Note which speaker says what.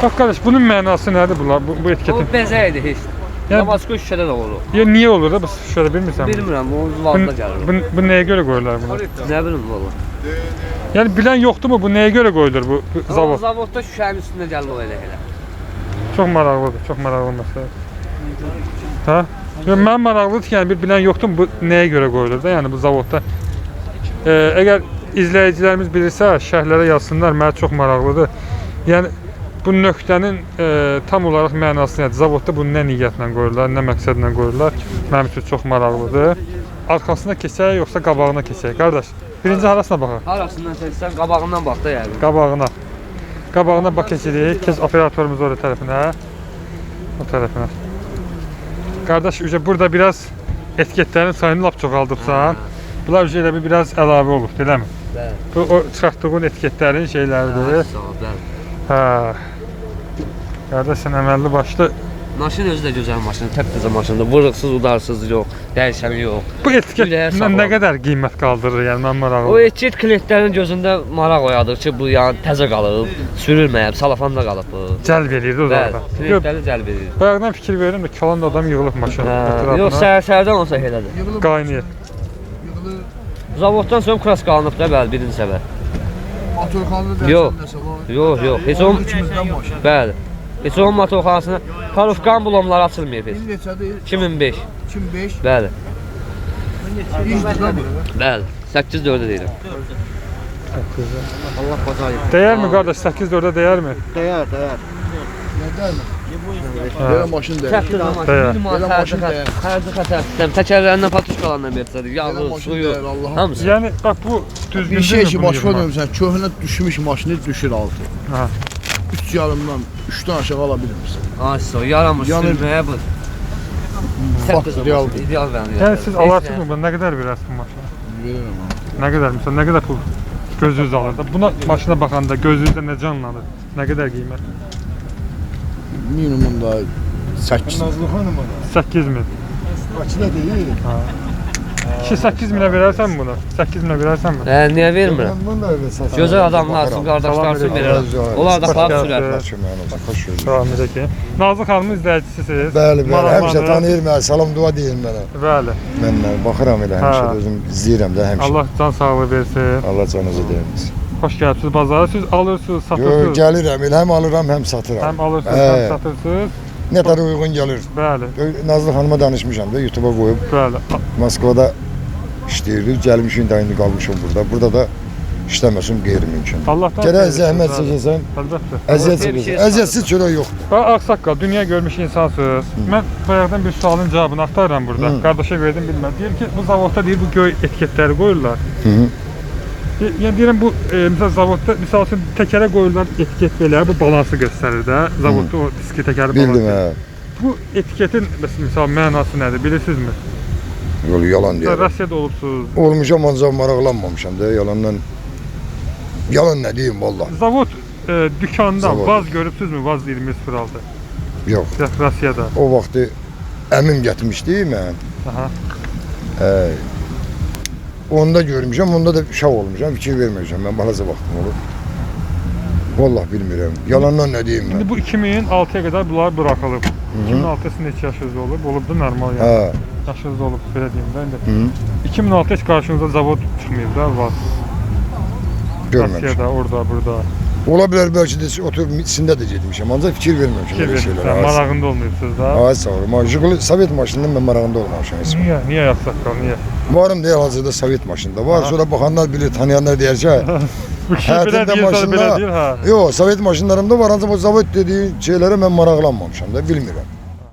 Speaker 1: Bak kardeş, bunun mənası nədir bunlar, bu etiketin?
Speaker 2: O bezə idi heç.
Speaker 1: Yəni-
Speaker 2: Damasko şüşədə də olur.
Speaker 1: Ya niyə olur da bu şöyle bilmirsən?
Speaker 2: Bilmirəm, o valda gəlir.
Speaker 1: Bu nəyə görə qoyurlar bunu?
Speaker 2: Nə bilim valla.
Speaker 1: Yəni bilən yoxdur mu bu nəyə görə qoyulur bu zavod?
Speaker 2: Zavodda şüşənin üstündə gəlir o elə.
Speaker 1: Çox maraqlıdır, çox maraqlı məsələ. Hə? Yəni mən maraqlıdır ki, yəni bir bilən yoxdur mu bu nəyə görə qoyulur da, yəni bu zavodda. Əgər izləyicilərimiz bilirsə, şərhlərə yazsınlar, mənə çox maraqlıdır. Yəni bu nöqtənin tam olaraq mənası nədir? Zavodda bunu nə niyyətlə qoyurlar, nə məqsədlə qoyurlar? Mənim üçün çox maraqlıdır. Arxasına keçək, yoxsa qabağına keçək? Qardaş, birinci harasına baxaq?
Speaker 2: Harasından seçsən qabağından bax da yəni.
Speaker 1: Qabağına. Qabağına bax keçirik. Keç operatorumuz orada tərəfinə. O tərəfinə. Qardaş, burada biraz etiketlərin sayını lap çoxaldıbsan. Bunlar elə bir biraz əlavə olur, eləmi?
Speaker 2: Bəli.
Speaker 1: Bu o çıxartdığın etiketlərin şeyləridir.
Speaker 2: Sağ ol, bəli.
Speaker 1: Hə. Qardaş, sən əməlli başlı.
Speaker 2: Maşın özü də gözəl maşın, təptəzə maşındır. Vuruqsuz, udarsız yox, dəyişəni yox.
Speaker 1: Bu etiket nə qədər qiymət qaldırır, yəni mən maraqlı.
Speaker 2: O etiket klientlərin gözündə maraq oyadır ki, bu yəni təzə qalıb, sürülməyib, salafanda qalıb bu.
Speaker 1: Cəlb eləyirdi o zaman.
Speaker 2: Bəli, klientləri cəlb edir.
Speaker 1: Bayaqdan fikir verirəm də kalan da adam yığılıb maşın ətrafına.
Speaker 2: Yox, səhərdən olsa elədir.
Speaker 1: Qaynayır.
Speaker 2: Zavoddan sonra kras qalınıb da, bəli, birinci səbər.
Speaker 3: Motorxanada
Speaker 2: Yox.
Speaker 3: dərsən nəsə var.
Speaker 2: Yox, heç o
Speaker 3: İkimizdən maşın.
Speaker 2: bəli. Heç o motorxanasına Karufkan bulomları açılmayıb heç.
Speaker 3: İl neçədir?
Speaker 2: 2005.
Speaker 3: 2005.
Speaker 2: Bəli.
Speaker 3: İşdir də bu.
Speaker 2: Bəli. 8-4-də deyirəm. Allah bazayı.
Speaker 1: Dəyərmi qardaş? 8-4-ə dəyərmi?
Speaker 3: Dəyər. Nə dəyər? Belə maşın dəyər.
Speaker 2: Təptəzə maşın.
Speaker 1: Bəli.
Speaker 2: Minimal
Speaker 3: maşın
Speaker 2: xərci xətər. Təkərlərindən patuşkalarından verirsən. Yağı,
Speaker 3: maşın
Speaker 2: suyu,
Speaker 3: dəyər, Allah'ım.
Speaker 2: hamısı.
Speaker 1: Yəni bax bu düzgün
Speaker 3: Bir şey ki,
Speaker 1: bunu
Speaker 3: başqa
Speaker 1: yığmaq?
Speaker 3: görmüsən, köhnə düşmüş maşını düşür altı.
Speaker 1: Ha.
Speaker 3: 3 yarımdan 3-dən aşağı ala bilmirsən.
Speaker 2: Ay, so yaramır
Speaker 3: Yəni-
Speaker 2: sürməyə bu.
Speaker 3: Bax, real.
Speaker 2: İdeal bənim.
Speaker 1: Yəni siz alarsınız mı? Nə qədər verərsiniz bu maşına?
Speaker 3: Verirəm ha.
Speaker 1: Nə qədər məsələn, nə qədər pul gözünüz alır da? Buna maşına baxanda gözünüzdə nə canlanır? Nə qədər qiymət?
Speaker 3: Minimum da 8.
Speaker 1: 8000.
Speaker 3: Bakıda deyil.
Speaker 1: Ha. 8 minə verərsən bunu? 8 minə verərsən bunu?
Speaker 2: Niyə vermirəm? Gözəl adamlar, sizin qardaşlar üçün verirəm. Onlar da xalq sürər.
Speaker 1: Salam edək. Nazlı xanımın izləyicisisiniz.
Speaker 4: Bəli, bəli.
Speaker 1: Maraqlanır.
Speaker 4: Həmişə tanıyır mənə, salam dua deyir mənə.
Speaker 1: Bəli.
Speaker 4: Mən baxıram elə həmişə
Speaker 1: Hə.
Speaker 4: də özüm izləyirəm də həmişə.
Speaker 1: Allah can sağlığı versin.
Speaker 4: Allah canınızı deyirmiş.
Speaker 1: Xoş gəlibsiniz bazara. Siz alırsınız,
Speaker 4: Yo,
Speaker 1: satırsınız.
Speaker 4: gəlirəm, elə həm alıram, həm satıram.
Speaker 1: Həm alırsınız,
Speaker 4: Hə.
Speaker 1: həm satırsınız.
Speaker 4: Nə qədər uyğun gəlir.
Speaker 1: Bəli.
Speaker 4: Nazlı xanıma danışmışam da, YouTube-a qoyub.
Speaker 1: Bəli.
Speaker 4: Moskvada işləyirdi, gəlmişik də indi qalmışam burada. Burada da işləməsim qeyri-mümkün.
Speaker 1: Allahdan
Speaker 4: Gərək
Speaker 1: xeyir
Speaker 4: zəhmət
Speaker 1: olsun,
Speaker 4: çəkəsən,
Speaker 1: əlbəttə.
Speaker 4: əziyyət
Speaker 2: bir şey
Speaker 4: çəkəsən. Əziyyətsiz çörək yoxdur.
Speaker 1: Bax, ağsaqqal, dünya görmüş insansınız. Mən bayaqdan bir sualın cavabını axtarıram burada. Qardaşa verdim, bilmədim. Deyir ki, bu zavodda deyir, bu göy etiketləri qoyurlar.
Speaker 4: Hı.
Speaker 1: Yəni deyirəm, bu misal zavodda, misal üçün təkərə qoyurlar etiket belə, bu balansı göstərir də. Zavodda o diski təkəri
Speaker 4: Bildim,
Speaker 1: balansı.
Speaker 4: hə.
Speaker 1: Bu etiketin misal mənası nədir, bilirsinizmi?
Speaker 4: Yolu yalan deyirəm.
Speaker 1: Rusiyada olubsuz.
Speaker 4: Olmuşam, ancaq maraqlanmamışam da, yalandan. Yalan nə deyim, valla.
Speaker 1: Zavod dükandan
Speaker 4: Zavod.
Speaker 1: vaz görübsüzmü? Vaz 2006.
Speaker 4: Yox.
Speaker 1: Rusiyada.
Speaker 4: O vaxtı əmim getmişdi mən.
Speaker 1: Aha.
Speaker 4: Onda görmüşəm, onda da uşaq olmuşam, fikir verməmişəm. Mən balaca vaxtım olub. Vallahi bilmirəm. Yalandan nə deyim
Speaker 1: İndi
Speaker 4: mən.
Speaker 1: bu 2006-ya qədər bunlar buraxılıb. 2006-da sizin neçə yaşınız olub? Olub da normal yəni.
Speaker 4: Hə.
Speaker 1: Yaşınız olub, belə deyim də indi.
Speaker 4: Hı.
Speaker 1: 2006-da heç qarşınıza zavod çıxmayıb da, vaz.
Speaker 4: Görməmişəm.
Speaker 1: Rusiyada, orada, burada.
Speaker 4: Ola bilər bəlkə də oturub içində də getmişəm. Ancaq fikir verməmişəm
Speaker 1: Fikir
Speaker 4: elə
Speaker 1: verirsən,
Speaker 4: şeylərə.
Speaker 1: marağında olmayıbsınız da.
Speaker 4: Ay sağ olun. Jiguli Sovet maşınından mən marağında olmamışam heç.
Speaker 1: Niyə? Niyə yaxsaqqal, niyə?
Speaker 4: Varım deyil hazırda Sovet maşında var. Sonra baxanlar bilir, tanıyanlar deyər ki,
Speaker 1: Bu kişi belə
Speaker 4: həyatında
Speaker 1: deyir, sonra belə
Speaker 4: maşında.
Speaker 1: deyir, ha.
Speaker 4: Yox, Sovet maşınlarımda var, ancaq o Sovet dediyi şeylərə mən maraqlanmamışam da, bilmirəm.